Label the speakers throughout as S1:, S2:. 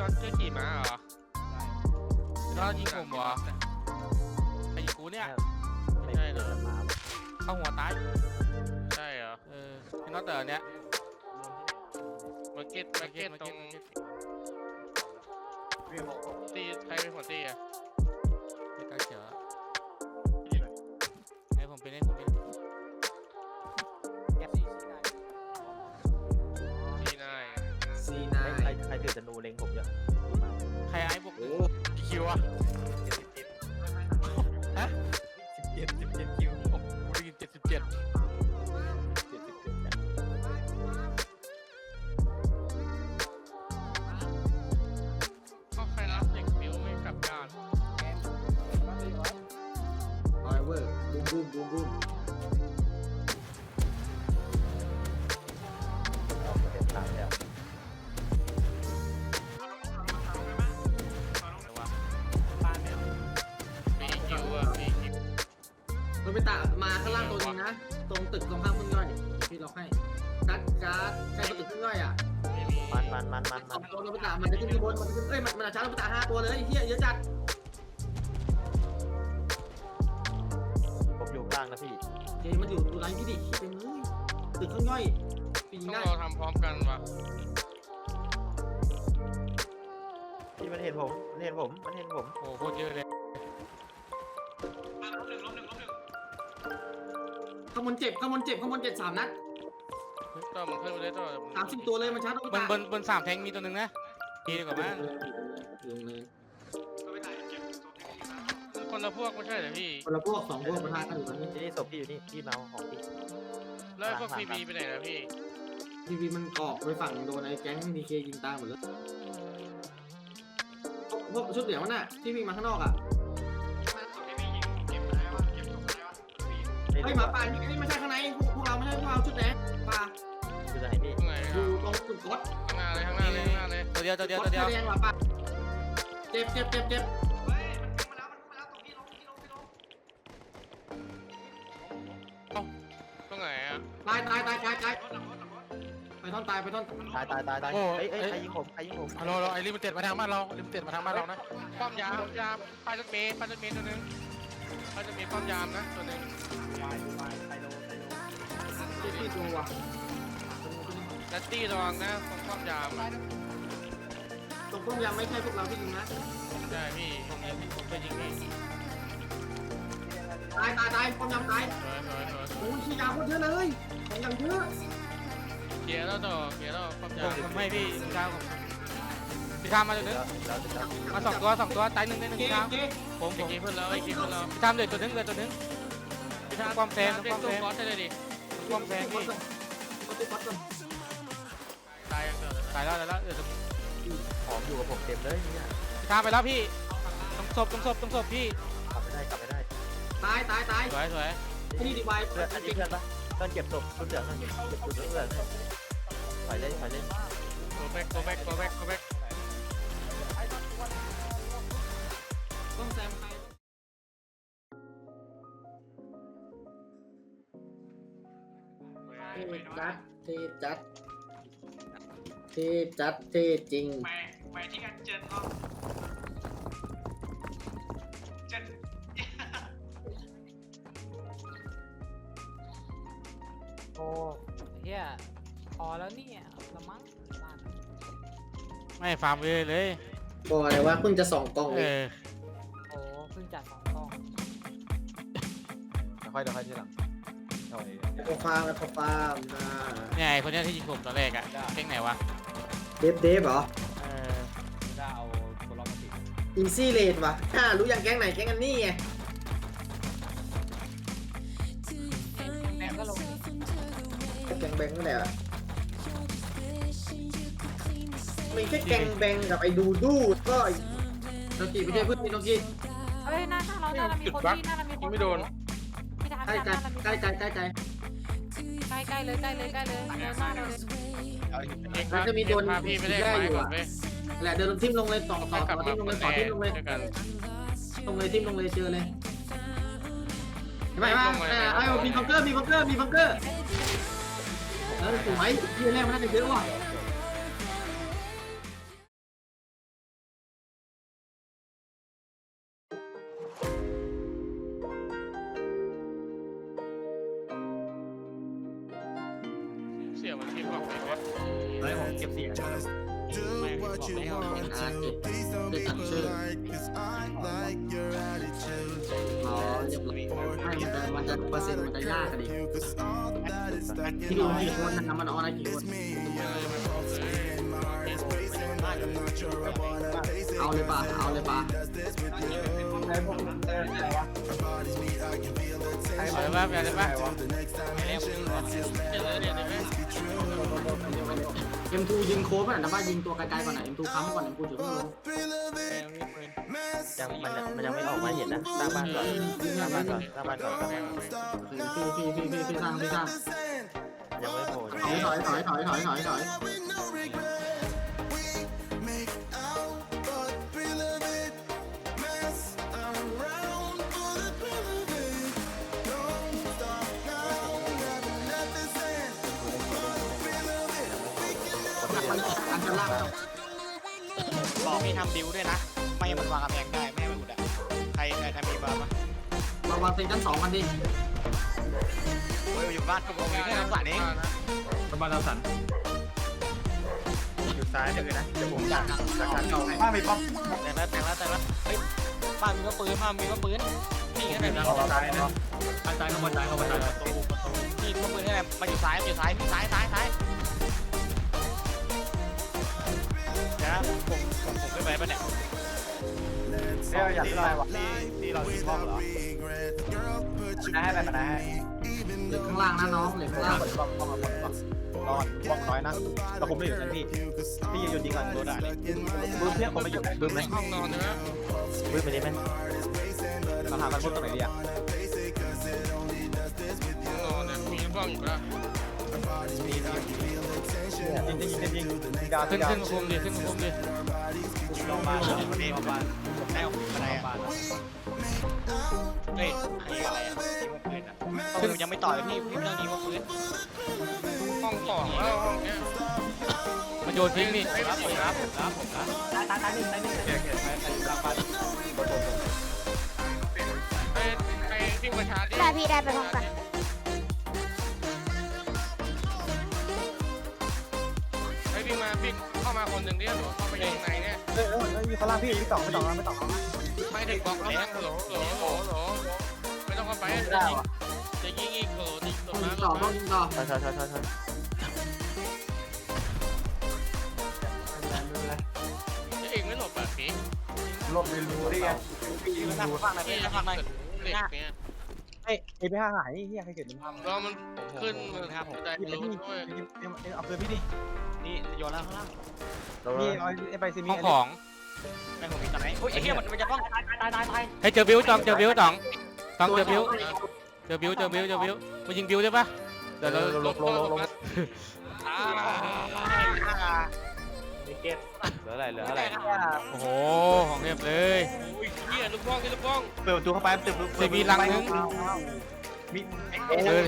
S1: น็อตจะขี่ม้าเหรอพี่น็อตยิงผมเหรอไอ้ยิงกูเนี่ยไม่ใช่เหรอเข้าหัวตายใช่เหรอพี่น็อตเต๋อเนี้ยมาเก็ตตรงตีใครเป็นคนตีอ่ะไม่กล้าเขียวให้ผมเป็น
S2: C9 ใครถือธนูเล็งผมเยอะ
S1: ใครไอ้พวกคิวอ่ะฮะ17คิวผมได้ยิน77ก็ใครรับเด็กฟิวไม่กลับบ้าน
S3: ไอเวอร์บูม
S2: เอาเต็มทางแล้ว
S3: เราไปตะมาข้างล่างตัวนึงนะตรงตึกตรงข้างพึ่งย่อยพี่ล็อกให้การ์ดใครตัวตึกพึ่งย่อยอ่ะ
S2: มัน
S3: เราไปตะมันจะขึ้นที่บนมันจะขึ้นมันจะชาร์จเราไปตะ5ตัวเลยเฮียเยอะจัด
S2: ผมอยู่กลางนะพี่
S3: เจมันอยู่ไรพี่ดิเต็มเลยตึกพึ่งย่อยปีนี้
S1: ต้องเราทำพร้อมกันวะ
S2: พี่มันเห็นผม
S1: โอ้โหเยอะเลย
S3: ข้างบนเจ็บ3 นัด
S1: ต่อมันขึ้นไปเลยต่อ
S3: 30ตัวเลยมันชาร์จเราไป
S1: บน3แทงมีตัวหนึ่งนะดีกว่ามั้ง
S3: ลงเลย
S1: คนละพวกไม่ใช่เหรอพี่
S3: คนละพวก2 พวกประทะกันอยู่ตรงนี้
S2: นี่ศพพี่อยู่นี่พี่เมาของพี่
S1: แล้วพวกพีบีไปไหนแล้วพี่
S3: พีมันเกาะไปฝั่งโดนไอ้แก๊งดีเคยิงตายหมดเลยพวกชุดเหลืองมันน่ะที่วิ่งมาข้างนอกอ่ะไอ้หมาป่านี่ไม่ใช่ข้างในพวกเราไม่ใช่พวกเราชุดแดงป่า
S2: อยู่ไหนพี่
S3: อยู่ตรงจุดกด
S1: ข้างหน้าเลยตัวเดียว
S3: แดงหมาป่าเจ็บ
S1: ตรงไหนอ่ะ
S3: ตายไปท่อนตาย
S2: ตายเอ้ยใครยิงผม
S1: ฮัลโหลไอ้ลิมิเต็ดมาทางบ้านเรานะป้อมยามป้ายรถเมย์ตัวนึงป้ายรถเมย์ป้อมยามนะตัวนึง
S3: ที่ตัว
S1: นัตตี้ระวังนะตรงป้อมยาม
S3: ไม่ใช่พวกเราที่ยิงนะ
S1: ใช่พี่ผมไปยิงพี่
S3: ตายป้อมยามตายโอ้ยขี้ยาโคตรเยอะเลยของอย่างเยอะ
S1: เกียร์แล้วป้อมยามไม่พี่ข้าวพี่ข้ามมาตัวนึงมา2 ตัวตาย1พี่ข้ามผมกินเพื่อนเราพี่ข้ามเดือดตัวนึงพี่ข้ามความแฟนตัวคอสได้เลยดิความแฟนพี่ตายแล้วเดี๋ยว
S2: ของอยู่กับผมเต็มเลยเนี่ย
S1: ข้ามไปแล้วพี่ต้องศพพี่
S2: กลับไม่ได้
S3: ตาย
S1: สวย
S3: นี่ดีไว
S2: เพื่อนอันนี้เพื่อนปะต้นเก็บศพต้นเหลืองเก็บศพเหลืองถอยเล่น
S1: go back
S3: ต้องแซมใครเทจริง
S4: ไปที่กันเจนเนาะเจน
S5: โอ้เฮียพอแล้วเนี่ยละมั้ง
S1: ไม่ฟาร์มเลย
S3: บอกอะไรว่าคุณจะ2 กล่องเลย
S5: โอ้เพิ่งจัด2 กล่อง
S2: ค่อยทีหลัง
S3: เขาฟาร์ม
S1: เนี่ยไอ้คนนี้ที่ยิงผมตอนแรกอะเก่งไหนวะ
S3: เดฟเหรอ
S2: ได้เอาตัวล็อกมาติด
S3: อีซี่เลดวะรู้อย่างแก๊งไหนแก๊งกันนี่ไง
S5: แบงก็ลง
S3: แก๊งแบงนั่นแหละมีแค่แก๊งแบงกับไอ้ดูก็โนกิไปด้วยเพื่อนโนกิ
S5: เฮ้ยหน้าเรามีคนที่
S1: ไม่โดน
S3: ใกล้เลยหน้าเรามันจะมีโดน
S1: พี่ไม่ได้
S3: อยู่อ่ะแหละเดินทิมลงเลยต่อทิมลงเลยเจอเลยไม่มีบังเกอร์แล้วสวยที่แรกมันน่าจะเยอะว่ะ
S1: เสียมันที่บอกไปว่า
S2: เฮ้ยผมเก็บเสียง
S1: ไม่บอกไม่เอา
S3: เป็นอาร์ตเด็กตัดชื่ออ๋อเรียบร้อยไม่มันจะเปอร์เซ็นต์มันจะยากอะดิที่ดูกี่คนนะมันออนอะไรกี่คนเอาเลยป่ะเอาเลยป่ะ
S1: เอาเลยป่ะเอาเลยป่ะ
S3: M2 ยิงโค้งอ่ะนะว่ายิงตัวไกลๆก่อนนะ M2 ค้ำก่อน M2 ถือว่าลง
S2: มันยังไม่ออกมาเห็นนะสร้างบ้านก่อนสร้างบ้านก่อนสร้างบ้านก่อน
S3: พี่สร้าง
S2: ยังไม่โผล่
S3: ถอยอันจะล่าง
S6: บอกพี่ทำดิวด้วยนะ ไม่ให้มันวางกำแพงได้ไม่ให้มันอุดอ่ะใครมีบ้างปะ
S3: เราวางเซ็นชั้น2กันดิ
S6: โอ้ยอยู่บ้านผมมีแค่น้ำสั่นเอง
S2: บ้านเราสันอยู่ซ้ายเลยนะเดี๋ยวผมจากชั้นเก่าให้บ้านมีป๊อป
S6: แต่ละเฮ้ยบ้านมีก็ปืนนี่แค่ไหนนะ
S2: ออกซ้ายนะซ้ายเข้ามาซ้ายเข้ามาซ้าย
S6: ประตูนี่ก็ปืนแค่ไหนมาอยู่ซ้ายพี่ซ้ายเดี๋ยวนะผมไม่ไปปะเนี่ย
S2: เนี่ยอยากได้วะนี่เราที่ป้อมเหรอได้ให้ไปได้ให้
S3: เหล็กข้างล่างนะน้องเหล็กข้างล่าง
S2: ป้อมรอป้อมน้อยนะเราผมไม่อยู่นะพี่ยืนยิงกันโดนด่าบึ้มเพี้ยผมไม่อยู่บึ้มไหม
S1: ห้องนอนใช่ไหม
S2: บึ้มไปดิไหมเราหากันพุ่งตรงไหนดีอ่ะ
S1: ห้องนอนเนี่ยมีบ้องอยู่แล้ว
S2: ยิงดาว
S1: ขึ้นคุมดิขึ้นคุมดิ
S2: ลงบ้าน
S6: นี่บ้านแม่อะไรอ่ะเฮ้ยอะไรอ่ะปืนยังไม่ต่อยพี่เรื่องนี้ว่าปืน
S1: ห้องสองแล้วห้องเนี้ยมันโยนทิ้งนี่
S6: รับผมนะ
S2: ตายหนึ่งเกียร์ไปหลังบ้าน
S1: ไปวิ่งประชาดิ
S7: ได้พี่ได้ไปพร้อมกัน
S1: ไปวิ่งเข้ามาคนหนึ่งดิหรือเข้าไปยังไงเนี่ย
S2: อยู่ข้างล่างพี่ไม่ต้อง
S1: ไม่ถึงบล็อกแล้วโหลไม่ต้องเข้าไปจะยิงอีกโหลยิงตรง
S3: ยิ
S1: นั้
S3: ง
S1: น
S3: ต่อต้องยิงต่อ
S2: ใช่
S1: จะเองไม่หลบแบบนี้
S2: ลบเรียนรู้ได้ไง
S6: ทำฟังหน่อยพี่ทำหน่อย
S1: เด็กเนี่ย
S2: ไอ้ไปห้างหายนี่เฮียใครเกิดเป็นภาพ
S1: รอมันขึ้นมือครับได้รู้ด้วย
S2: เอาคืนพี่ดิ
S6: นี่โยนแล้วข้างล่าง
S2: นี่เอาไปซีมี
S1: ห้องของ
S6: ไม่ผมมีตอนไหนโอ้ยไอ้เหี้ยมันจะต้องตาย
S1: ให้เจอบิวต้องเจอบิวต้องเจอบิวมายิงบิวได้ปะเดี๋ยวเราลง
S2: เก็ตเหลืออะไร
S1: โอ้โหของเรียบเลยเฮียลูกบ้อง
S2: เปิดประตูเข้าไปมี
S1: มีลังนึง
S2: มี
S1: เบอร์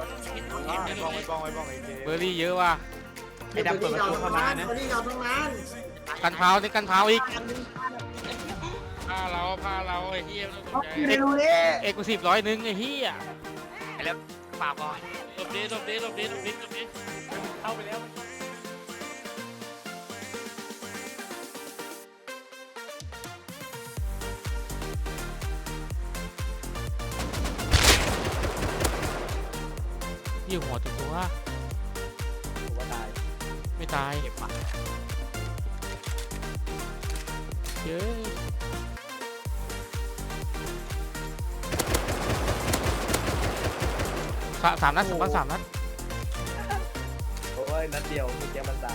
S2: บ้อง
S1: เบอร์รี่เยอะว่ะ
S2: ไอ้ดำเปิดประตูเข้ามานะ
S3: นี่เราตรงนั้น
S1: กันเท้านี่กันเท้าอีกพาเราไอ้เฮียเอกสิบ100นึงไอ้เฮีย
S6: ไอ้แล้วปากก่อน
S1: หลบดิเข้าไปแล้วยี่หัวตัว ไม่ตายเก็บปะเยอะสามนัด3 นัด
S2: โอ้ยนัดเดียวมีแกมันตาย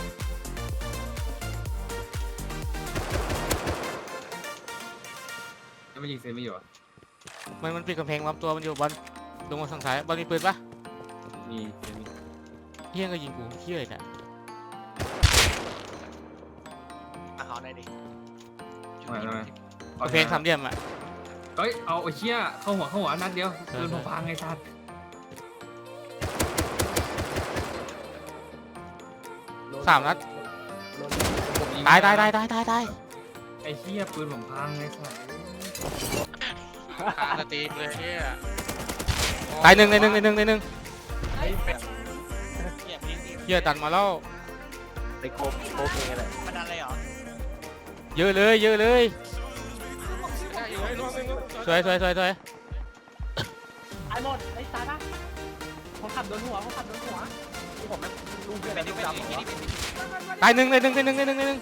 S8: ไม่ยิงเซนไม่อยู่อ่ะ
S1: มันปิดกำแพงล้อมตัวมันอยู่บอลลงมาทางซ้ายบอลมีปืนปะ
S8: มีเซนมี
S1: เฮี้ยก็ยิงกูเฮี้ยเลยเนี่ย
S6: เอาได้ดิ
S8: ทำไม
S1: กำแพง3 เหลี่ยมอ่ะ
S8: เฮ้ยเอาไอ้เชี่ยเข้าหัวนัดเดียวโดนผมพังไอ้สัตว์
S1: 3 นัดตาย
S8: ไอ้เชี่ยปืนผมพังไอ้สัตว์
S1: ขาสตีเลยเฮี้ยตายหนึ่ง
S6: เหี้ย
S1: เฮียตันมาแล้ว
S2: ไปโคเพอะไร
S6: มันดันเลยเหรอ
S1: เยอะเลยเยอะเลยสวยสวยสวยสวย
S5: ไอ้หมดไอ้ตายปะผมขับโดนหัวผมขับโดนหัว
S2: ที่ผมไม่ลูกเพื่อน
S6: เป็น
S2: ลูก
S6: เป็น
S2: ดำเหรอ
S1: ตายหนึ่งเลยหนึ่งเลยหนึ่งเลยหนึ่งเลยหนึ่ง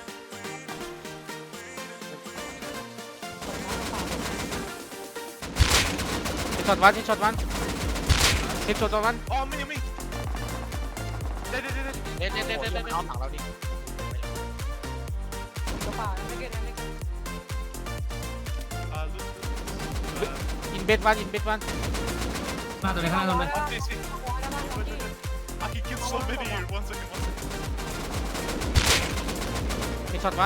S1: ช็อตวันช็อตวันช็อตวัน
S6: อ๋อไม่ไม่เด็ดเอาถังเราดิ
S5: กระเป๋าไม่เก็ตไม่เก็ต
S1: อินเบดวันอินเบดวัน
S8: หน้าตัวไหนข้างตัวไหน
S7: I can kill so many here. 1 second, 1 second.
S1: มีช็อตวัน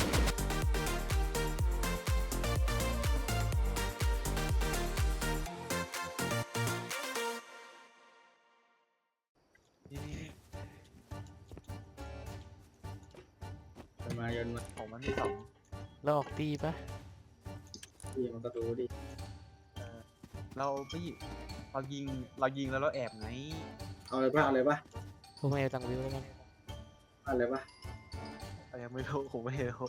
S3: มาเยินมา
S2: ผมมันมีสอง
S1: เราออกตีปะ
S3: พี่มันก็รู้ดิ
S2: เราไม่เรายิงแล้วเราแอบไง
S3: เอาเลยป่ะเอาเลยป่ะ
S1: ผมไม่เอาตังค์วิวแล้วกัน
S3: เอาเลยป่ะ
S2: ยังไม่รู้ผมไม่รู้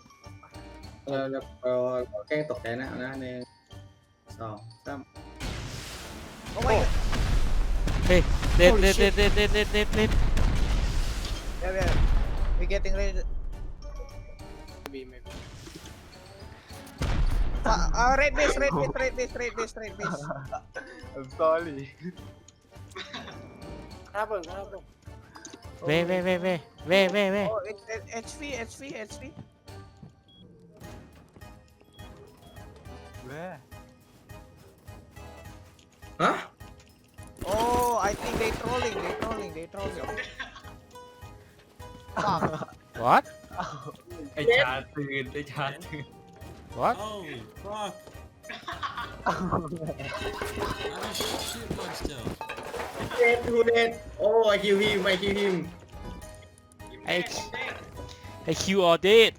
S3: เราแกล้งตกใจนะนะ1 2 3
S2: โอ้ย
S1: เฮ้ยเด็ดเด็ดเด็ดเด็ดเด็ดเด็ดเด็ดเด็ด
S2: we getting ready red base I'm sorry
S5: ครับผมครับผม
S1: เว่เว่เว่เว่เว่เว่เว่
S2: oh it's HP where
S3: ฮะ
S2: oh I think they trolling
S1: what
S8: ไอ้ชาตื่นไอ้ชาตื่น
S1: what
S9: Oh, fuck. I'm a shit bug still.
S3: เด็ดทูเด็ดโอ้ไอคิวฮิมไอคิวฮิม
S1: ไอคิวออเดด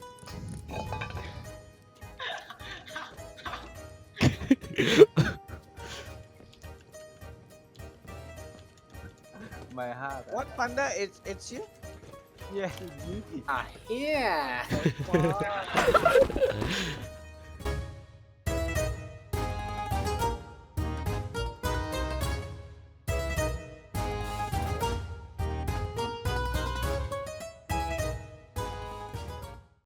S2: my heart what panda it's you yes it's you
S5: เฮีย